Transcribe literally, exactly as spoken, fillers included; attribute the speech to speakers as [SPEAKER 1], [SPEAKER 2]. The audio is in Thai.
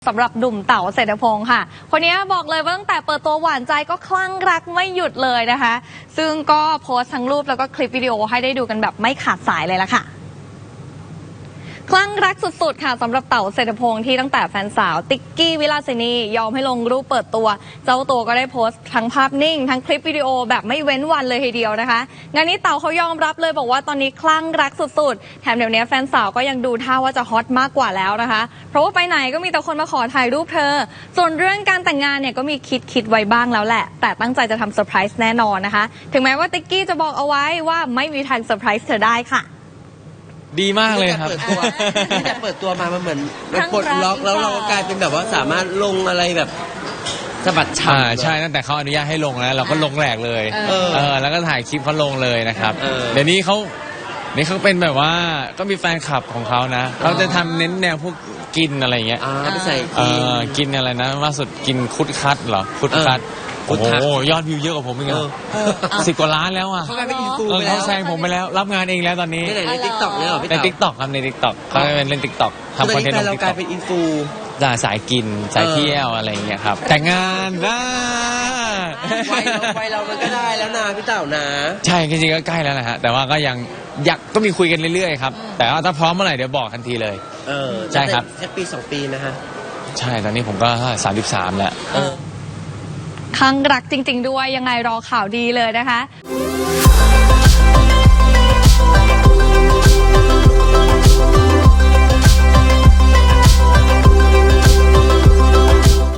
[SPEAKER 1] สำหรับหนุ่มเต๋าเศรษฐพงศ์ค่ะคนนี้บอกเลยว่าตั้งแต่เปิดตัวหวานใจก็คลั่งรักไม่หยุดเลยนะคะซึ่งก็โพสต์ทั้งรูปแล้วก็คลิปวิดีโอให้ได้ดูกันแบบไม่ขาดสายเลยล่ะค่ะคลั่งรักสุดๆค่ะสำหรับเต๋าเศรษฐพงศ์ที่ตั้งแต่แฟนสาวติ๊กกี้วิลาสินียอมให้ลงรูปเปิดตัวเจ้าตัวก็ได้โพสต์ทั้งภาพนิ่งทั้งคลิปวิดีโอแบบไม่เว้นวันเลยทีเดียวนะคะงานนี้เต๋าเขายอมรับเลยบอกว่าตอนนี้คลั่งรักสุดๆแถมเดี๋ยวนี้แฟนสาวก็ยังดูท่าว่าจะฮอตมากกว่าแล้วนะคะเพราะว่าไปไหนก็มีแต่คนมาขอถ่ายรูปเธอส่วนเรื่องการแต่งงานเนี่ยก็มีคิดคิดไว้บ้างแล้วแหละแต่ตั้งใจจะทำเซอร์ไพรส์แน่นอนนะคะถึงแม้ว่าติ๊กกี้จะบอกเอาไว้ว่าไม่มีทางเซอร์ไพรส์เธอได้ค่ะ
[SPEAKER 2] ดีมากเลยครับ
[SPEAKER 3] ตั้งแต่เปิดตัวมามันเหมือนมันปลดล็อกแล้วเราก็กลายเป็นแบบว่าสามารถลงอะไรแบบสะบัดฉ่ำ
[SPEAKER 2] ใช่ตั้งแต่เขาอนุญาตให้ลงแล้วเราก็ลงแหลกเลยเออแล้วก็ถ่ายคลิปเขาลงเลยนะครับเดี๋ยวนี้เขานี่เขาเป็นแบบว่าก็มีแฟนคลับของเขานะเขาจะทำเน้นแนวพวกกินอะไรเงี้ย
[SPEAKER 3] ไปใส่
[SPEAKER 2] กินอะไรนะล่าสุดกินคุดคัดเหรอคุดคัดโอ้โหยอดวิวเยอะกว่าผมอีกอ่ะสิบกว่าล้านแล้วอ่ะ
[SPEAKER 3] เขากลายเป็นอินฟูไปแล้ว
[SPEAKER 2] เขาแซงผมไปแล้วรับงานเองแล้วตอนนี้
[SPEAKER 3] ในติ๊กต็อกเนี่ยหรอพี่
[SPEAKER 2] ใน
[SPEAKER 3] เต๋า
[SPEAKER 2] ติ๊กต็อกครับในติ๊กต็อกเขาเป็นเล่นติ๊กต็อกทำคอนเทนต์ในติ๊กต็อก
[SPEAKER 3] เรากลายเป็นอินฟู
[SPEAKER 2] สายกินสายเที่ยวอะไรอย่างเงี้ยครับแต่งงานนะ
[SPEAKER 3] ไวเราไวเรามันก็ได้แล้วนะพี่เต๋านะ
[SPEAKER 2] ใช่จริงๆก็ใกล้แล้วนะฮะแต่ว่าก็ยังอยากก็มีคุยกันเรื่อยๆครับแต่ว่าถ้าพร้อมเมื่อไหร่เดี๋ยวบอกทันทีเลย
[SPEAKER 3] เออ
[SPEAKER 2] ใช่ครับ
[SPEAKER 3] แค่ปีสองปีนะฮะ
[SPEAKER 2] ใช่ตอนนี้ผมก็สามสิบสามแล้ว
[SPEAKER 1] คลั่งรักจริงๆด้วยยังไงรอข่าวดีเลยนะคะ